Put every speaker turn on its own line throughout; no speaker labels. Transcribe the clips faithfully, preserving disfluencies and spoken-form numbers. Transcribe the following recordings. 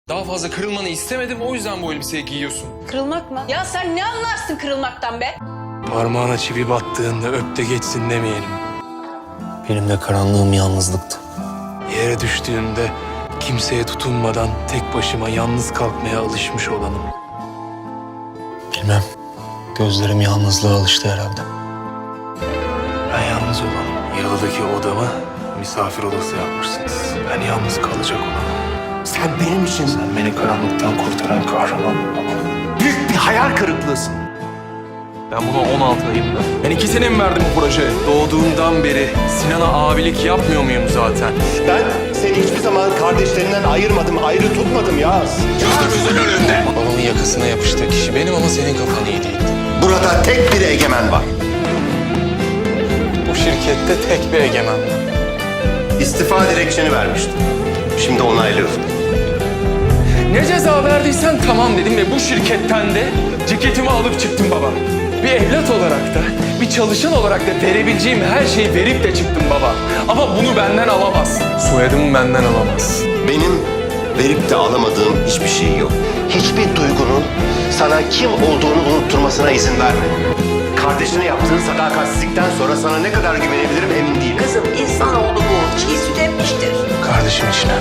Daha fazla kırılmanı istemedim, o yüzden bu elbiseyi giyiyorsun.
Kırılmak mı? Ya sen ne anlarsın kırılmaktan be?
Parmağına çivi battığında öp de geçsin demeyelim.
Benim de karanlığım yalnızlıktı.
Yere düştüğümde kimseye tutunmadan tek başıma yalnız kalkmaya alışmış olanım.
Bilmem. Gözlerim yalnızlığa alıştı herhalde.
Ben yalnız olanım. Yalıdaki odamı misafir odası yapmışsınız. Ben yalnız kalacak olanım.
Sen benim için
Sen beni karanlıktan kurtaran kahraman.
büyük bir hayal kırıklığısın.
Ben buna on altı ayımda. Ben iki sene mi verdim bu projeye? Doğduğumdan beri Sinan'a abilik yapmıyor muyum zaten?
Ben seni hiçbir zaman kardeşlerinden ayırmadım, ayrı tutmadım Yağız.
Gözümüzün önünde. Babamın yakasına yapıştığı kişi benim ama senin kafan iyi değildi.
Burada tek bir egemen var.
Bu şirkette tek bir egemen var.
İstifa dilekçeni vermiştim. Şimdi onaylıyorum.
Ne ceza verdiysen tamam dedim ve bu şirketten de ceketimi alıp çıktım baba. Bir evlat olarak da, bir çalışan olarak da verebileceğim her şeyi verip de çıktım baba. Ama bunu benden alamazsın. Soyadımı benden alamazsın.
Benim verip de alamadığım hiçbir şey yok. Hiçbir duygunun sana kim olduğunu unutturmasına izin verme. Kardeşine yaptığın sadakatsizlikten sonra sana ne kadar güvenebilirim emin değilim.
Kızım insanoğlu bu. Çiğ süt emmiştir.
Kardeşim içine.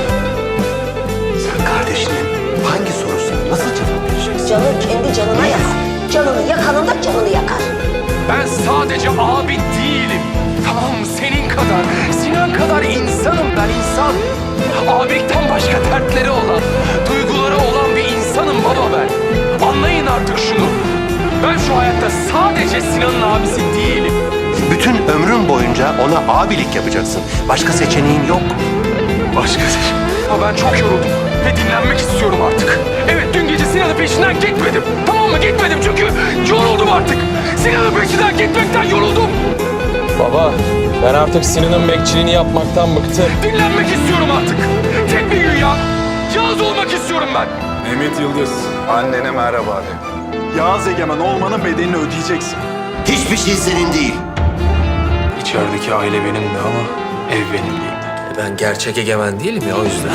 Sen kardeşinin hangi sorusuna nasıl cevap vereceksin?
Canın kendi canına yakar. Canını yakanın da canını yakar.
Ben sadece abi değilim. Tamam mı? Senin kadar, Sinan kadar insanım ben insan. Abilikten başka dertleri olan, duyguları olan bir insanım baba ben. Anlayın artık şunu. Ben şu hayatta sadece Sinan'ın abisi değilim.
Bütün ömrün boyunca ona abilik yapacaksın. Başka seçeneğin yok.
Başka şey. Ama ben çok yoruldum ve dinlenmek istiyorum artık. Evet, dün gece Sinan'ın peşinden gitmedim. Tamam mı? Gitmedim çünkü yoruldum artık. Sinan'ın peşinden gitmekten yoruldum.
Baba, ben artık Sinan'ın bekçiliğini yapmaktan bıktım.
Dinlenmek istiyorum artık. Tek bir gün ya. Yalnız olmak istiyorum ben.
Mehmet Yıldız, annene merhaba de. Yağız Egemen olmanın bedelini ödeyeceksin.
Hiçbir şey senin değil.
İçerideki aile benimdi ama ev benim değildi.
Ben gerçek egemen değilim ya o yüzden.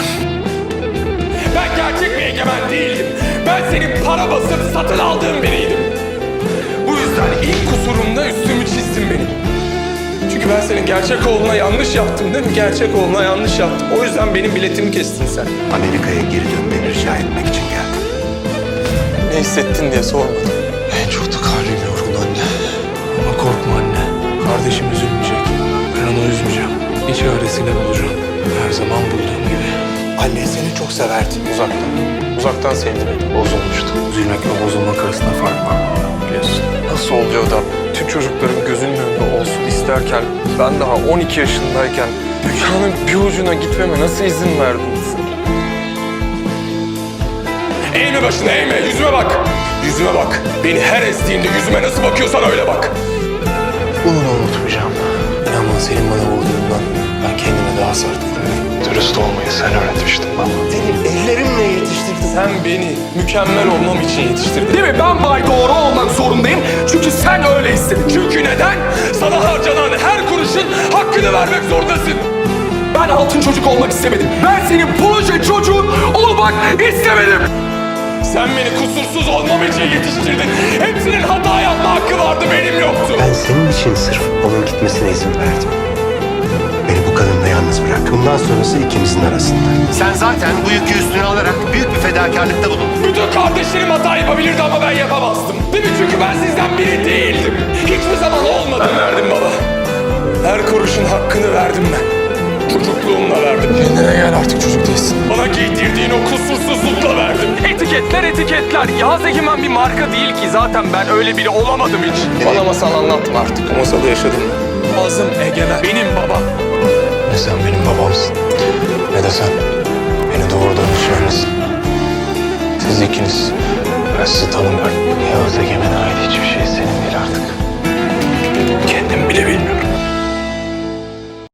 Ben gerçek bir egemen değildim. Ben senin para basıp satın aldığın biriydim. Bu yüzden ilk kusurumda üstümü çizdim benim. Çünkü ben senin gerçek oğluna yanlış yaptım değil mi? Gerçek oğluna yanlış yaptım. O yüzden benim biletimi kestin sen.
Amerika'ya geri dönmeni rica etmek için geldim.
Ne hissettin diye sormadım.
En çok da kalbim yoruldu anne. Ama korkma anne. Kardeşim üzülmeyecek. Ben onu üzmeyeceğim. Bir çaresini bulacağım. Her zaman bulduğum gibi.
Anne seni çok severdi.
Uzaktan. Uzaktan sevdi beni.
Bozulmuştu. Üzülmekle bozulmak arasında fark var biliyorsun.
Nasıl oluyor da tüm çocukların gözünün önünde olsun isterken ben daha on iki yaşındayken dünyanın bir ucuna gitmeme nasıl izin verdin?
Eğme başını eğme. Yüzüme bak. Yüzüme bak. Beni her estiğinde yüzüme nasıl bakıyorsan öyle bak.
Bunu da unutmayacağım. İnan bana senin bana vurduğundan ben kendime daha sert vuruyorum. Dürüst olmayı sen öğretmiştin bana.
Seni ellerimle yetiştirdim.
Sen beni mükemmel olmam için yetiştirdin. Değil mi? Ben bay doğru olmak zorundayım. Çünkü sen öyle istedin. Çünkü neden? Sana harcanan her kuruşun hakkını vermek zorundasın. Ben altın çocuk olmak istemedim. Ben senin proje çocuğun olmak istemedim. Sen beni kusursuz olmam için yetiştirdin. Hepsinin hata yapma hakkı vardı, benim yoktu.
Ben senin için sırf onun gitmesine izin verdim. Beni bu kadınla yalnız bırak. Bundan sonrası ikimizin arasında. Sen zaten bu yükü üstüne alarak büyük bir fedakarlıkta bulundun.
Bütün kardeşlerim hata yapabilirdi ama ben yapamazdım. Değil mi? Çünkü ben sizden biri değildim. Hiçbir zaman olmadım. Ben verdim baba. Her kuruşun hakkını verdim ben. Çocukluğumla verdim.
Kendine gel artık çocuk değilsin.
Bana giydirdiğin o kusursuzlukla verdim. Etiketler etiketler. Yağız Egemen bir marka değil ki. Zaten ben öyle biri olamadım hiç.
Bana masal anlatma artık.
Bu masalı yaşadım. Yağız'ım Egemen. Benim babam.
Ne sen benim babamsın ne de sen beni doğurduğun için öylesin. Siz ikiniz. Ben sizi tanımıyorum. Yağız Egemen'e ait hiçbir şey senin değil artık. Kendim bile bilmiyorum.